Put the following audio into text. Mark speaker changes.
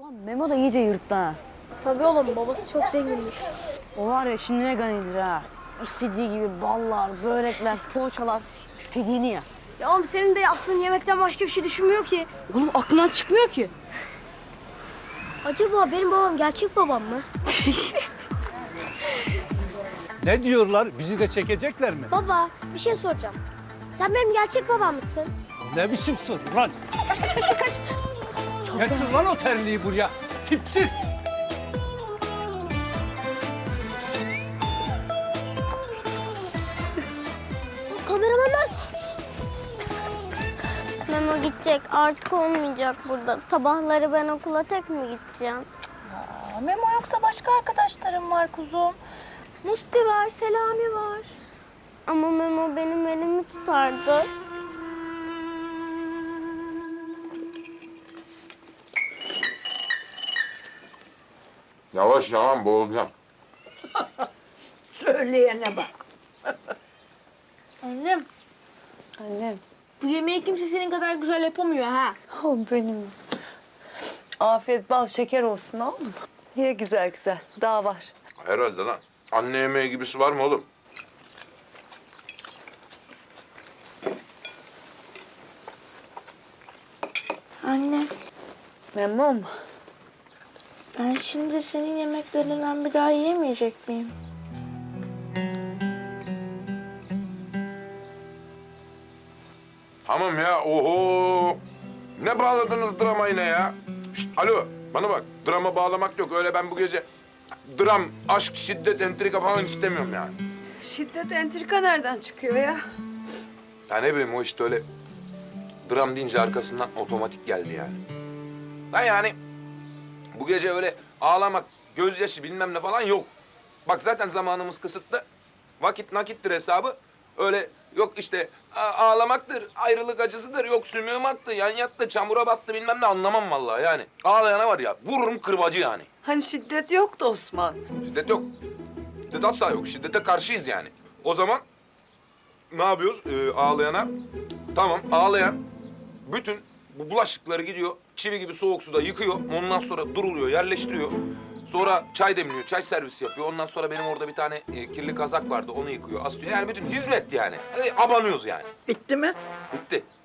Speaker 1: Ulan Memo da iyice yırttı ha.
Speaker 2: Tabii oğlum, babası çok zenginmiş.
Speaker 1: O var ya şimdi ne ganidir ha. İstediği gibi ballar, börekler, poğaçalar, istediğini ya.
Speaker 2: Ya oğlum senin de aklın yemekten başka bir şey düşünmüyor ki.
Speaker 1: Oğlum aklından çıkmıyor ki.
Speaker 2: Acaba benim babam gerçek babam mı?
Speaker 3: Ne diyorlar? Bizi de çekecekler mi?
Speaker 2: Baba, bir şey soracağım. Sen benim gerçek babam mısın?
Speaker 3: Ne biçim soru lan? Getir lan o terliği buraya. Tipsiz.
Speaker 2: Kameramanlar.
Speaker 4: Memo gidecek. Artık olmayacak burada. Sabahları ben okula tek mi gideceğim?
Speaker 5: Memo yoksa başka arkadaşlarım var kuzum. Musti var, Selami var.
Speaker 4: Ama Memo benim elimi tutardı.
Speaker 6: Yavaş yalan boğulacağım.
Speaker 7: Söyleyene bak.
Speaker 2: Annem,
Speaker 7: Annem.
Speaker 2: bu yemeği kimse senin kadar güzel yapamıyor ha.
Speaker 7: Oh benim. Afiyet bal şeker olsun oğlum. Ye güzel güzel. Daha var.
Speaker 6: Herhalde lan. Anne yemeği gibisi var mı oğlum?
Speaker 2: Anne,
Speaker 7: Memnun.
Speaker 2: ben şimdi senin yemeklerinden bir daha yiyemeyecek miyim?
Speaker 6: Tamam ya, oho. Ne bağladınız dramayı ne ya? Şişt, alo, bana bak. Drama bağlamak yok. Öyle ben bu gece dram, aşk, şiddet, entrika falan istemiyorum yani.
Speaker 7: Şiddet entrika nereden çıkıyor ya?
Speaker 6: Ya ne bileyim o işte öyle dram deyince arkasından otomatik geldi yani. Ben yani bu gece öyle ağlamak, gözyaşı bilmem ne falan yok. Bak zaten zamanımız kısıtlı. Vakit nakittir hesabı. Öyle yok işte ağlamaktır, ayrılık acısıdır, yok sümüğüm aktı, yan yattı, çamura battı bilmem ne anlamam vallahi yani. Ağlayana var ya vururum kırbacı yani.
Speaker 7: Hani şiddet yoktu Osman.
Speaker 6: Şiddet yok. Şiddet asla yok. Şiddete karşıyız yani. O zaman ne yapıyoruz ağlayana? Tamam ağlayan bütün bu bulaşıkları gidiyor çivi gibi soğuk suda yıkıyor. Ondan sonra duruluyor, yerleştiriyor. Sonra çay demliyor, çay servisi yapıyor. Ondan sonra benim orada bir tane kirli kazak vardı, onu yıkıyor, asıyor. Yani bütün hizmet yani. Abanıyoruz yani.
Speaker 7: Bitti mi?
Speaker 6: Bitti.